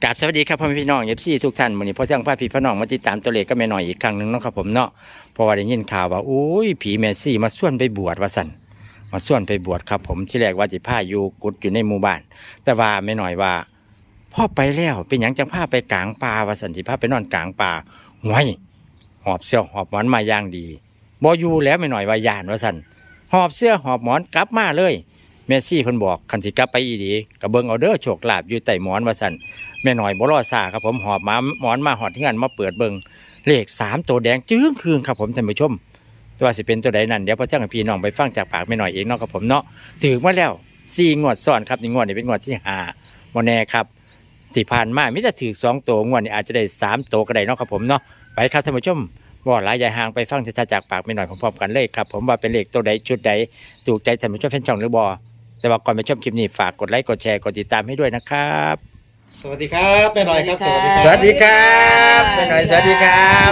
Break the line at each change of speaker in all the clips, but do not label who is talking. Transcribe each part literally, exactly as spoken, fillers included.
กราบสวัสดีครับพ่อแม่พี่น้องเอฟซีทุกท่านวันนี้พ่อเจ้าพาพี่พ่อน้องมาติดตามตัวเลขก็แม่หน่อยอีกครั้งหนึ่งเนาะครับผมเนาะเพราะว่าได้ยินข่าวว่าโอ้ยผีแม่ซี่มาส่วนไปบวชว่าสั่นมาส่วนไปบวชครับผมที่แรกว่าจิพาอยู่กุดอยู่ในหมู่บ้านแต่ว่าแม่หน่อยว่าพ่อไปแล้วเป็นหยังจังพาไปกลางป่าว่าสั่นสิพาไปนอนกลางป่าห่วยหอบเสื้อหอบหมอนมาอย่างดีบ่อยู่แล้วแม่หน่อยว่าย่านว่าสั่นหอบเสื้อหอบหมอนกลับมาเลยแม่ซี่เพิ่นบอกคันสิกลับไปอีดีก็เบิ่งเอาเด้อโชคลาภอยู่ใต้หมอนว่าสั่นแม่หน่อยบ่รอซ่าครับผมหอบมาหมอนมาหอดที่งานมาเปิดเบิ่งเลขสามตัวแดงจึ้งคืนครับผมท่านผู้ชมตัวสิเป็นตัวใดนั่นเดี๋ยวพ่อเจ้ากับพี่น้องไปฟังจากปากแม่หน่อยเองเนาะครับผมเนาะถือมาแล้วสี่งวดซ้อนครับนี่งวดนี้เป็นงวดที่ห้าบ่แน่ครับที่ผ่านมามิจะถือสองตัวงวดนี้อาจจะได้สามตัวก็ได้เนาะครับผมเนาะไปครับท่านผู้ชมบ่หลายใหญ่ห่างไปฟังชัดๆจากปากแม่หน่อยพร้อมๆกันเลยครับผมว่าเป็นเลขตัวใดชุดใดถูกใจท่านผู้ชมแฟนช่องหรือบ่แต่ว่าก่อนไปชมคลิปนี้ฝากกดไลค์กดแชร์กดติดตามให้ด้วยนะครับ
สวัสดีครับแม่หน่อยครับสวัสดีครับ
สวัสดีครับแม่หน่อยสวัสดีครับ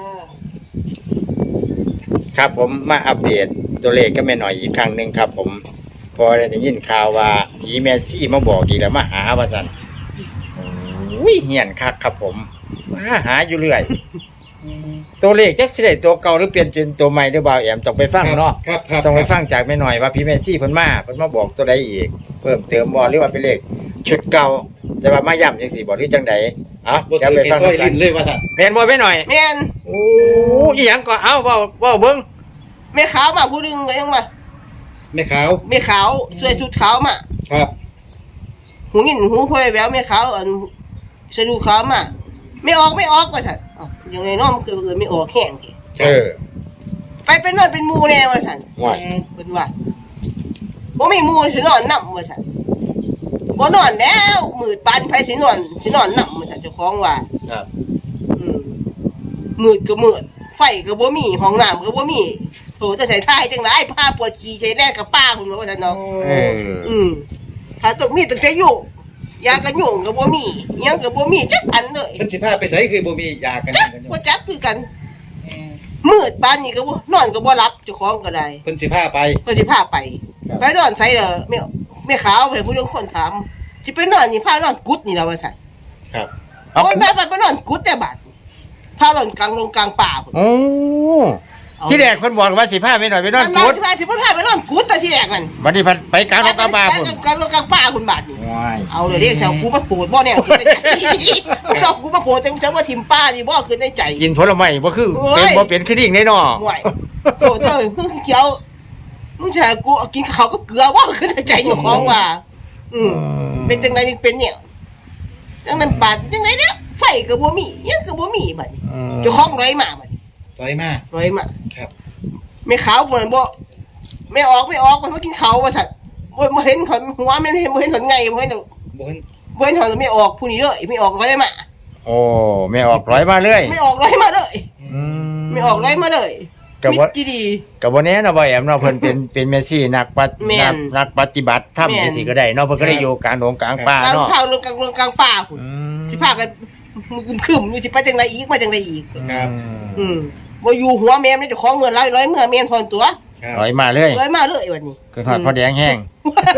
ครับผมมาอัปเดตตัวเลขก็แม่หน่อยอีกครั้งหนึ่งครับผมพอได้ยินข่าวว่าผีแม่ซี่มาบอกอีกแล้วมาหาว่าสันอุ้ยเหียนคักครับผมมาหาอยู่เรื่อยตัวเลขจักสิได้ตัวเก่าหรือเปลี่ยนเป็นตัวใหม่หรือเปล่าแอมต้องไปฟังเนาะ
ครับครับ
ต้องไปฟังจากแม่หน่อยว่าผีแม่ซี่เพิ่นมาเพิ่นมาบอกตัวใดอีกเพิ่มเติมบ่หรือว่าเป็นเลขชุดเก่าแต่ว่ามาย้ำจังซี่บ่หรือจังใดเอ้า
บท
เดี๋ยวไป
เพลง
ฟัง
ซอย
กั
ลิ้
น
นเลยว่าสัตว์
แม่นบ่แม่หน่อย
แม่น
โอ้อีหยังก็เอ้าเว้าเว้าเบิ่ง
แม่ขาวมาผู้หนึงไปยังมา
แม่ขาว
แม่ขาวสวยชุดขาวมา
ครับ
หูหินหูพอยแววแม่ขาวอันสะดูขาวมาไม่ออกไม่ออกว่าซั่นเอ้ายังไงน้อมคือเอิ้นไม่ออกแห้งติ
เออ
ไปเป็นนอนเป็นหมู่แน่ว่าซั่น
ว่า
เพิ่นว่าบ่มีหมู่สินอนนำว่าซั่นบ่นอนแล้วมืดปานไผสินอนสินอนนำว่าซั่นเจ้าของว่า
ครับ
อืมมืดก็มืดไฟก็บ่มีห้องน้ำก็บ่มีโถจะใส่ท้ายจังได๋ผ้าปวดขี้ใส่แน่กับป้าพุ่นว่าซั่นเนาะ
เออ
อืมถ้าต้องมีตั้งแต่อยู่ยากันยุงก็บ่มีอิหยังก็บ่มีจักอันเลย
เพิ่นสิพาไปไสคือบ่มียากัน
จัก
กันอยู่
บ่จักคือกันมืดปานนี้ก็บ่นอนก็บ่หลับเจ้าของก็ได้
เพิ่นสิพาไป
เพิ่นสิพาไป
ครับ
ไปนอนไสเด้อแม่แม่ขาวไปผู้เรื่องคนถามสิไปนอนนี่พานอนกุดนี่ล่ะว่าซั่น
ครับ
เอา
โอ้ยแม่ไปนอนกุดแต่บัดพานอนกลางลงกลางป่าพุ่น
โอ้ที่แรกคนบอกว่าสิพาแม่หน่อยไปนอน
มั
กุด
สิพาสิพาไปนอนกุดแต่ที่แรกนั่น
วันนี้พันไปกลางนกกระบาพุ่น
กลางลงกลางป่าพุ่นบาดนี่
ว้าย
เอาเลยเรียกชาวกูมาโปรดบ่เนี่ยชาวกูมาโปรดจังจังว่าทิมป้านี่บ่คือในใจ
กินผลไม้บ่คือ
โอ้ย
เป็นบ่เป็นคือดิ่งได้เนาะ
ห่วยโถเจ้าเพิ่งเขียวมึงใช่กูเอากินข้าวกับเกลือบ่คือในใจอยู่ของว่า อืมเป็นจังไดนี่เป็นเนี่ยจังนั้นปาดจังไดเนี่ยไฟก็บ่มีหยังก็บ่มีบัดนี้
อืม
เจ้าของร้อยมาบัดนี้
ไสมา
ร้อยมา
ครับ
ไม่ขาวบ่บ่ไม่ออกไม่ออกมันมากินข้าวว่าซั่นบ่บ่เห็นเขาหัวไม่เห็นบ่เห็นถอนไงบ่เห็น
บ่เห็น
บ่เห็นถอนไม่ออกผู้นี้เลยไม่ออกร้อยมา
โอ้แม่ออกร้อยมาเลย
ไม่ออกร้อยมาเลย
อื
ไม่ออกร้อยมาเลย
ก็บ่
มิตรดี
ก็บ่แน่เนาะบ่แอมเนาะเพิ่นเป็นเป็นเมสซี่นักปฏิ
แม่น
นักนักปฏิบัติธรรม
แม่น
จังซี่ก็ได้เนาะเพิ่นก็ได้อยู่กลางดงกลางป่า
กลาง
เนาะ
ข้าวลงกลางลงกลางป่าพุ่น
อืม
สิพากันมึงขึ้นอยู่สิไปจังไดอีกมาจังไดอีก
ครับ
อืมบ่อยู่หัวแม่มนี่เจ้าของเงินร้อยร้อยเมื่อแม่นทอนตัว
ครับ
ร้อยมาเลย
ร้อยมาเลยวันนี้
คือทอดพอแดงแห้ง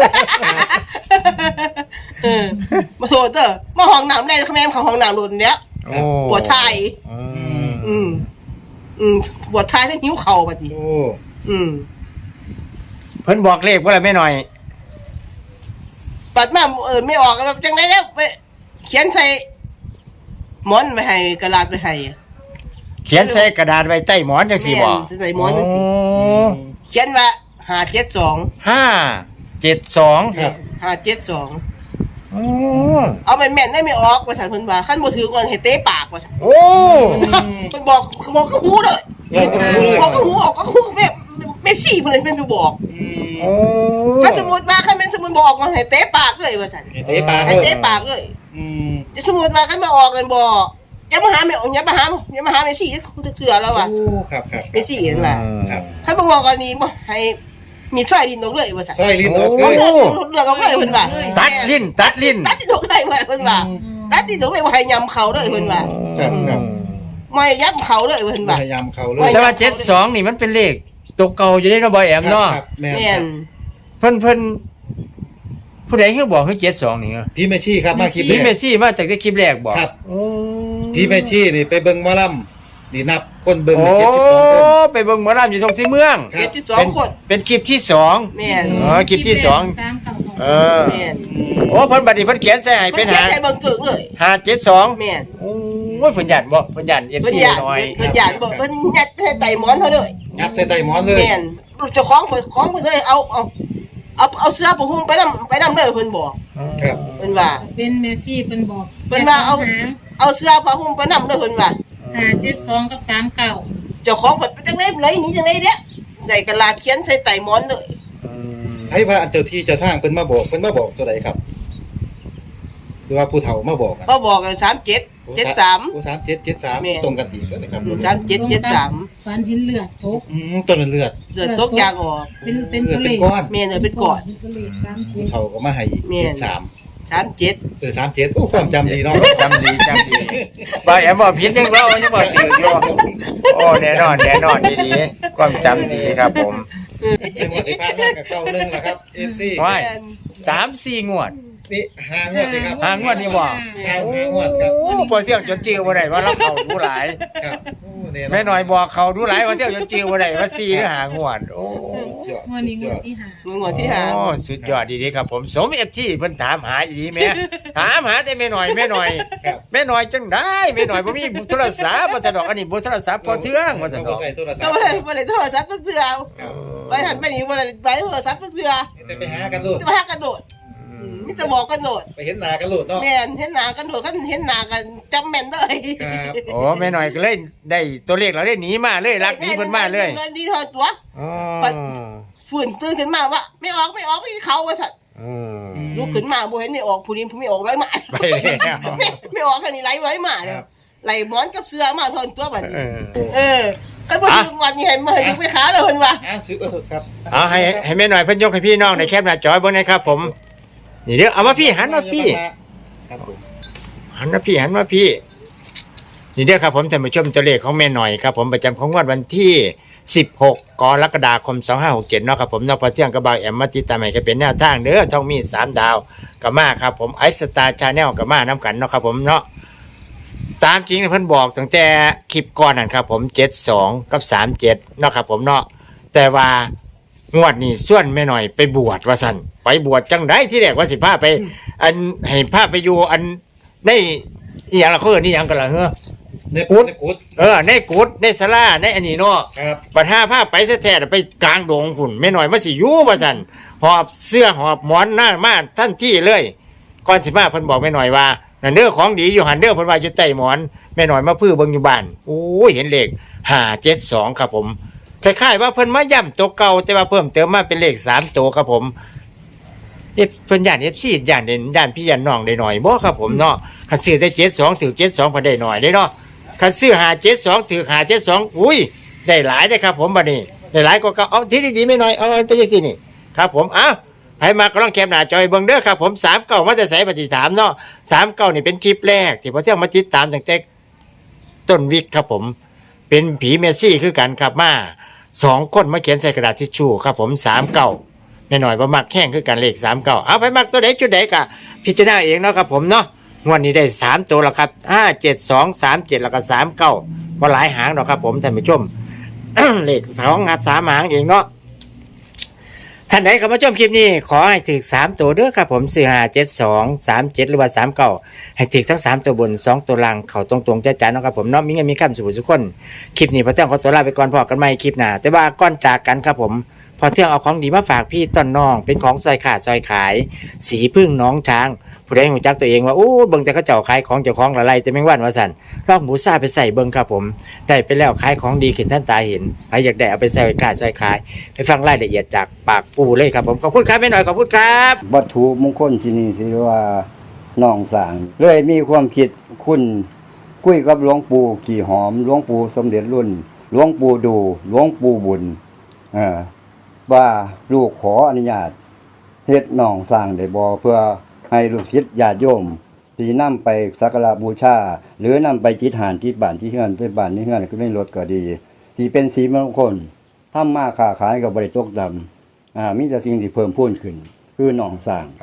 เออมาโทษเด้อมาห้องน้ำได้แม่มเข้าห้องน้ำโดนเนี้ย
โอ้
ปวดท้าย
อืม
อืมอืมปวดท้ายทั้งหิวเข่าบัดนี้
โอ้
อืม
เพิ่นบอกเลขว่าอะไรไม่หน่อย
ปัดมาเออไม่ออกแบบจังไดแล้วไปเขียนใส่หมอนไปให้กระดาษไปให้
เขียนใส่กระดาษไว้ใต้หมอนจังซี่บ่
แม่นใส่หมอนจังซี่
โ
เขียนว่าห้าเจ็ดสอง
ห้าเจ็ดสอง
ครับ
ห้าเจ็ดสอง
โอ้
เอาแม่นแม่นได้ไม่ออกว่าฉันเพิ่นว่าขั้นบ่ถือก่อนให้เตะปากว่าฉัน
โอ้
เพิ่นบอกบอกกับหูเลย
เออก็รู้เลย
บอกกับหูออกกับหูแม่แม่ชี้เพิ่นเลยเพิ่นไปบอก
อืม
โอ้
ถ้าสมมุติว่าคันแม่นสมมุติบอกว่าให้เตะปากเลยว่าฉัน
ให้เตะปาก
ให้
เลย
เตะปากเลย
อืม
จะสมมุติว่าคันมาออกกันบ่อย่ามาหาแม่อย่ามาหาอย่ามาหาแม่ชี้เถื่อแล้วว่ะ
โอ้ครับครับ
แม่ชี้เห็นว่า
ครับ
คันบ่บอกกันนี้บ่ให้มีสร้อยดินออกเลยว่าฉัน
ซอยลิ้นออกเล
เอา
ย
สร้อยดินเลือกออกเลยเพิ่นว่า
ตัดลิ้นตัดลิ้น
ตัดดินออกได้ว่าเพิ่นว่าตัดดินออกเลยว่าให้ยำเขาเลยเพิ่นว่า
ครับครับ
ไม่ยับเขาเลยเพิ่น
พ
ว่า
ยายามเข้าเล
ไม่
ย
แต่ว่าเจ็ดสองนี่มันเป็นเลขตัวเก่าอยู่ได้เนาะบ่แอมเนาะ
ครับแม่น
แม่น
เพิ่นเพิ่นผู้ใดคือบอกคือเจ็ดสองนี่เหรอ
พี่แม่ชีครับมาคลิป
พี่
นี้
เมซี่มาจากที่คลิปแรกบอก
ครับ
โอ้
พี่แม่ชีนี่ไปเบิ่งหมอลำนี่นับคนเบิ่ง
โอ้
เจ็ดสิบสองคน
ไปเบิ่งหมอลำอยู่ตรงสีเมือง
ครับ
เจ็ดสิบสองคน
เป็นคลิปที่สอง
แม่น
อ๋อคลิปที่สอง
สามเก้าหก
เออ
แม่น
โอ้เพิ่นบัดนี้เพิ่นเขียนใส่ให้
เป็
เป็น น
แค่
หา
ใส่เบิ่งเกิงเลย
หาเจ็ดสอง
แม่น
โอ้ยเพิ่นหยันบ่เพิ่นหยันเอฟ
เพิ่น
ซี
อยาก
น้อย
เพิ่นอยากบอกเพิ่นยัดให้ไต่หมอนเขาเลย
งัดใส่ไตหมอนเลย
แม่นเจ้าของเพิ่นของเพิ่นเลยเอาเอาเอาเอาเสื้อผ้าห่มไปนำไปนำเลยเพิ่นบอก
ครับ
เพิ่นว่า
เป็นเมซี่เป็นบอก
เพิ่นว่าเอา
หาง
เอาเสื้อผ้าห่มไปนำเลยเพิ่นว่า
หาเจ็ดสองกับสามเก้า
เจ้าของเพิ่นไปจังได๋เลยหนี่จังได๋เด้ใส่กระดาษเขียนใส่ไต่หมอนเลย
ใช้ว่าอันเจ้าที่เจ้าทางเพิ่นมาบอกเพิ่นมาบอกตัวใดครับหรือว่าผู้เฒ่ามาบอกอะ
มาบอกกันสามเจ็ดเจ็ดสาม
โอ้สามเจ็ดเจ็ดสาม
แม่
ตรงกันดีกันนะครับ
สามเจ็ดเจ็ดสาม
ฟันเห็นเลือดตก
อืมต้นเลือด
เดือดตกยางออก
เป็นเป็น
เลือ
ตั
ด
วเล
เป็น
ข
ก้อน
แม่นเออเป็นก่อน
เป็นตัวเลขสามเจ็
ผู้
ด
เฒ่าก็มาให้อีก
แม่น
เจ็ดสาม
สามเจ็ด
เออสามเจ็ดโอ้ความจำดีเนาะ
จำดีจำดีบ่แอมบ่ผิดจังเรายังบ่ถืออยู่โอ้แน่นอนแน่นอนดีๆความจำดีครับผม
เป็นวันที่ผ่านมากับเก้าหนึ่งแล้วครับ เอฟ ซี
ว้ายสามสี่งวด
นี่หางวดดีครับ
หางวดนี่บ่
หางหางวดครับ
โอ้พอเที่ยงจนจื้อบ่ได้ว่าเราเข้าดูหลาย
ครับโอ้เนี่ย
แม่น้อยบอกเขาดูหลายว่าเที่ยวจนจื้อบ่ได้ว่าสี่หรือหางวดโอ้
ยอด
งวดนี้ง
ยว อ
ด
ด
ที่หา
มืองวดที่หา
โอ้สุดยอดดีๆครับผมสมเอฟที่เพิ่นถามหาอีดีแม่ถามหาแต่แม่น้อยแม่น้อย
ครับ
แม่น้อยจังได้แม่น้อยบ่มีโทรศัพท์ว่าซั่นดอกอันนี้บ่โทรศัพท์พอเทื่องว่าซั่นดอก
ใส่โทรศัพ
ก็
ท์
บ่ได้บ่ได้โทรศัพท์ทุกเทื่อ
ครับ
ไปหันไปนี่บ่ได้ไปโทรศัพท์ทุกเทื่อ
แต่ไปหากันลูก
จะมาหากระโดดมีแต่บอกกันโดด
ไปเห็นหน้ากันลูกเนาะ
แม่นเห็นหน้ากันโดดกันเห็นหน้ากันจำแม่นเลย
ครับ
โอ้แม่น้อยก็เลยได้ตัวเลขเราได้หนีมาเลยรักหนีเพิ่นมาเลย
ดีเท่าตัว
อ๋อ
ฝืนตื่นขึ้นมาว่าไม่ออกไม่ออกไม่เขาว่าสัตว์
อืม
ลุกขึ้นมาบ่เห็นไม่ออกผู้นี้ผู้ไม่ออกไรมา
ไปแล้ว
ไม่ไม่ออกแค่นี้ไรไว้มาเลยไหลหมอนกับเสื้อมาทนตัวบัด
เอ
นี้
อ
เออก็บ่ถึงวันนี้เห็นมาเห็นไปขาเลยเพิ่นว่า
อ่ะถือว่าสุดครับ
เอาให้ให้แม่น้อยเพิ่นยกให้พี่น้องในแคปหน้าจอยเบิ่งหนะครับผมนี่เด้อเอามาพี่หันมาพี่
ครับผม
หันมาพี่หันมาพี่นี่เด้อครับผมท่านผู้ชมตัวเลขของแม่หน่อยครับผมประจำของงวดวันที่สิบหกกรกฎาคมสองห้าหกเจ็ดเนาะครับผมเนาะพอเที่ยงกระบายแอมมาติดตามให้ก็เป็นแนวทางเด้อช่องมีสามดาวกับมาครับผมไอสตาร์ชาแนลกับมาน้ำกันเนาะครับผมเนาะตามจริงเพิ่นบอกตั้งแต่คลิปก่อนนั่นครับผมเจ็ดสองกับสามเจ็ดเนาะครับผมเนาะแต่ว่างวดนี้ส่วนแม่หน่อยไปบวชว่าสั่นไปบวชจังได้ที่แรกว่าสิพาไป อันให้พาไปอยู่อันในอหย่างละเขาเอิ้นนี่หยังกันล่ะเฮ้อ
ใน
กุ
กุ
ด
ดในกุด
เออในกุดในศาลาในอันนี้เนาะ
ครับ
ปัญหาพาไปแท้ๆไปกลางดงพุ่นแม่น้อยมาสิอยู่ว่าซั่นหอบเสื้อหอบหมอนหน้ามาทันทีเลยก่อนสิมาเพิ่นบอกแม่น้อยว่านั่นเด้อของดีอยู่หันเด้อเพิ่นว่าอยู่ใต้หมอนแม่น้อยมาพื้อเบิ่งอยู่บ้านโอ้ยเห็นเลขห้าเจ็ดสองครับผมคล้ายๆว่าเพิ่นมาย้ำตัวเก่าแต่ว่าเพิ่มเติมมาเป็นเลขสามตัวครับผมเอฟเพิ่นย่าน เอฟ ซี ย่านเด่นย่านพี่ย่านน้องได้หน่อยบ่ครับผมเนาะคันซื้อได้เจ็ดสองถือเจ็ดสองเพิ่นได้หน่อยได้เนาะคันซื้อห้าเจ็ดสองถือห้าเจ็ดสองอุ้ยได้หลายได้ครับผมบัดนี้ได้หลายก็เอาที่ดีๆไม่น้อยเอาไปจังซี่นี่ครับผมเอ้าให้มาก็ลองแคปหน้าจอยเบิ่งเด้อครับผมสามเก้ามาแต่ไสปฏิถามเนาะสามเก้านี่เป็นคลิปแรกที่พอเที่ยงมาติดตามตั้งแต่ต้นวิกครับผมเป็นผีเมสซี่คือกันครับมาสองคนมาเขียนใส่กระดาษทิชชู่ครับผมสามเก้าแน่หน่อยว่ามักแข้งคือกันเลขสามเก้าเอาไปมักตัวไหนจุดไหนกะพิจารณาเองเนาะครับผมเนาะงวดนี้ได้สามตัวแล้วครับห้าเจ็ดสองสามเจ็ดแล้วก็สามเก้าว่าหลายหางเนาะครับผมท่านผู้ชม เลขสองงัดสามหางเองเนาะท่านไหนเข้ามาชมคลิปนี้ขอให้ถึกสามตัวเด้อครับผมสี่ห้าเจ็ดสองสามเจ็ดหรือว่าสามเก้าให้ถึกทั้งสามตัวบนสองตัวล่างเข่าตรงๆจ้าๆเนาะครับผมเนาะมีเงินมีคำสุขสุขคนคลิปนี้พอเที่ยงขอตัวลาไปก่อนพอกันใหม่คลิปหน้าแต่ว่าก่อนจากกันครับผมพอเที่ยงเอาของดีมาฝากพี่ต้นน้องเป็นของซอยขาดซอยขาย สีพึ่งน้องช้างผู้ใดหูจักตัวเองว่าโอ้เบิ่งแต่เขาเจ้าขายของเจ้าของละไรแต่ไม่งวันว่าสั่นลองหมูซ่าไปใส่เบิ่งครับผมได้ไปแล้วขายของดีขึ้นท่านตาเห็นใครอยากได้เอาไปใส่ขาดซอยขายไปฟังรายละเอียดจากปากปูเลยครับผมขอบคุณครับแม่หน่อยขอบคุณครับ
วัตถุมงคลที่นี่สิว่าน้องสางเลยมีความคิดคุณคุยกับหลวงปู่ขี่หอมหลวงปู่สมเด็จรุ่นหลวงปู่ดูหลวงปู่บุญเอ่อว่าลูกขออนุญาตเฮ็ดน้องสร้างได้บ่เพื่อให้ลูกศิษย์ญาติโยมที่นำไปสักการะบูชาหรือนำไปจิตหานที่บ้านที่เฮือนไปบ้านที่เฮือนก็ไม่ลดก็ดีที่เป็นสีมงคลทำมาค้าขายก็บ่ได้ตกดำอ่ามีแต่สิ่งที่เพิ่มพูนขึ้นคือน้องสร้าง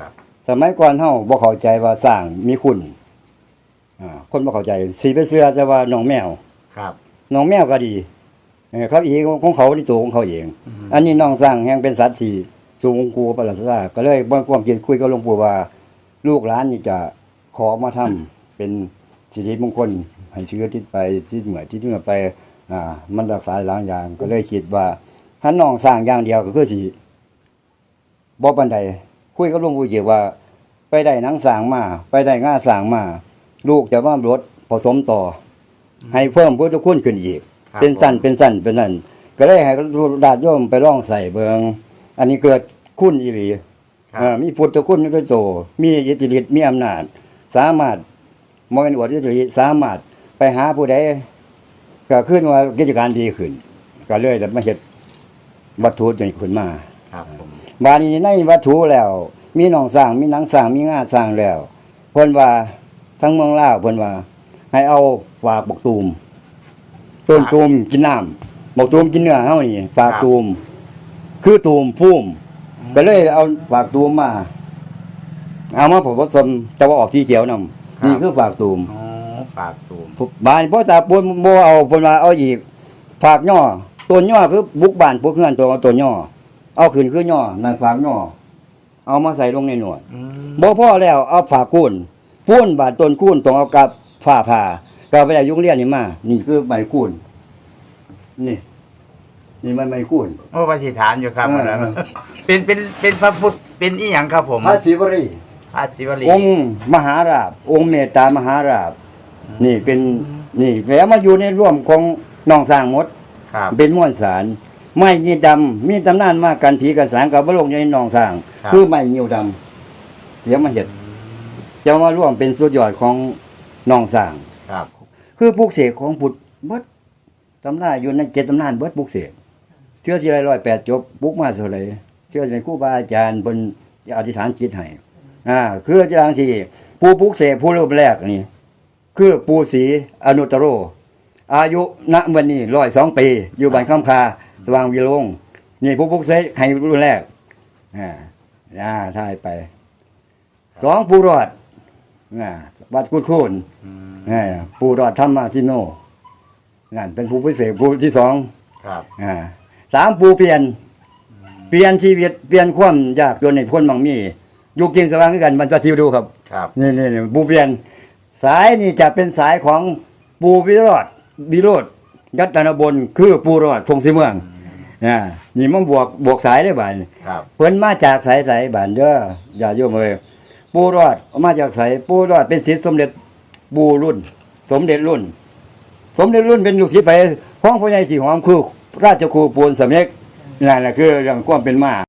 สมัยก่อนเฮาบ่เข้าใจว่าสร้างมีคุณอ่าคนบ่เข้าใจสิไปเชื่อแต่ว่าน้องแมว
ครับ
น้องแมวก็ดีเออเขาเองของเขาในตัวของเขาเอง อันนี้น้องสร้างแห่งเป็นสัตว์ที่สูงกูประหลาดซาก็เลยบ่ความคิดคุยกับหลวงปู่ว่า ลูกหลานนี่จะขอมาทำเป็นสิริมงคลให้เชื้อทิศไปทิศเหนือทิศเหนือไปอ่ามันรักษาหลายอย่างก็เลยคิดว่าถ้าน้องสร้างอย่างเดียวก็คือสิบ่ปานใดคุยกับหลวงปู่เกี่ยวว่า ไปได้หนังสร้างมาไปได้ง่าสร้างมา ลูกจะมาลดผสมต่อ ให้เพิ่มพุทธคุณขึ้นอีก
ครับ
เป็นสั้นเป็นสั้นเป็นนั่นก็เลยให้ญาติโยมไปลองใส่เบิงอันนี้เกิดคุณอีหลี
ครับ
เอ่อมีพุทธคุณในตัวโตมีอิทธิฤทธิ์มีอำนาจ สามารถบ่แม่นอวดอิทธิฤทธิ์สามารถไปหาผู้ใดก็ขึ้นว่ากิจการดีขึ้น ก็เลยได้มาเฮ็ดวัตถุนี้ขึ้นมา
ครับผม
บาดนี้ในวัตถุแล้ว มีหนองสร้างมีหนังสร้างมีงาสร้างแล้วเพิ่นว่าทั้งเมืองลาวเพิ่นว่า ให้เอาฝากบักตูมต้นตูมกินน้ำบักตูมกินเนื้อเฮานี่ฝากตูมคือตูมฟูมก็เลยเอาฝากตูมมาเอามาผสมแต่ว่าออกสีเขียวนํนี่คือฝากตูม
อ๋อฝากตูม
บ้านพ่อตาปูนบ่เอาเพิ่นว่าเอาอีกฝากย่อต้นย่อคือบุกบ้านพวกเฮือนตัวเอาต้นย่อเอาขึ้นคือย่อนั่นฝากย่อเอามาใส่ลงในหนวด
อืม
บ่พอแล้วเอาฝากคูนปูนบาดต้นคูนต้องเอากับฝ้าผ่าก็ไปได้ยุงเรียนนี่มานี่คือใบคูนนี่นี่มันใบคูน
โอ้ปฏิฐานอยู่ครับ
เออ
วันนั้นเป็นเป็นเป็นพระพุทธเป็นอีหยังครับผม
พระศิวรี
พระศิวลี
องค์มหาราชองค์เมตตามหาราชนี่เป็นนี่แล้วมาอยู่ในร่วมของน้องสร้างหมด
ครับ
เป็นม้วนสารไม้ยีดำมีตำนานมากกันผีกันสางกับบลงอยู่ในหนองสร้าง
ครับ
คือไม้ยิวดำเดี๋ยวมาเห็ดจะมาร่วมเป็นสุดยอดของหนองสร้าง
ครับ
คือปลูกเสกของพุทธเบิดตำราอยู่ในเจ็ดตำนานเบิดปลูกเสกเชื่อสิไรร้อยแปดจบปลูกมาเท่าไหร่เชื่อเป็นครูบาอาจารย์บนอธิษฐานจิตให้อ่าคืออย่างที่ผู้ปลูกเสกผู้รูปแรกนี่คือปู่ศรีอนุตตโร อายุณวันนี้ร้อยสองปี อยู่บ้านคำคาสว่างวิโรงนี่ผู้พุกเสกให้รุ่นแรกอ่าอ่าถ่ายไปสองผู้รอดอ่าวัดกุดคูน
อืม
อ่าผู้รอดธรรมทิโนนั่นเป็นผู้พิเศษผู้ที่สอง
ครับ
อ่าสามผู้เปลี่ยน เปลี่ยนชีวิตเปลี่ยนความยากจนในพ้นบางมีอยู่กินสว่างด้วยกันมันจะทิวดูครับ
ครับ
นี่นี่นี่ปูเปลี่ยนสายนี่จะเป็นสายของปูวิโรธวิโรธยัตนบลคือปูรอดทงสีเมืองอ่านี่มันบวกบวกสายได้บ่าย
ครับ
เพิ่นมาจากสายสายบ้านเด้ออย่าโยมเอ้ยปูรอดมาจากสายปูรอดเป็นศิษย์สมเด็จปูรุ่น สมเด็จรุ่น สมเด็จรุ่นเป็นลูกศิษย์ไปห้องพ่อใหญ่ที่หอมคือราชครูปูนสำเร็จนั่นแหละคือเรื่องความเป็นมา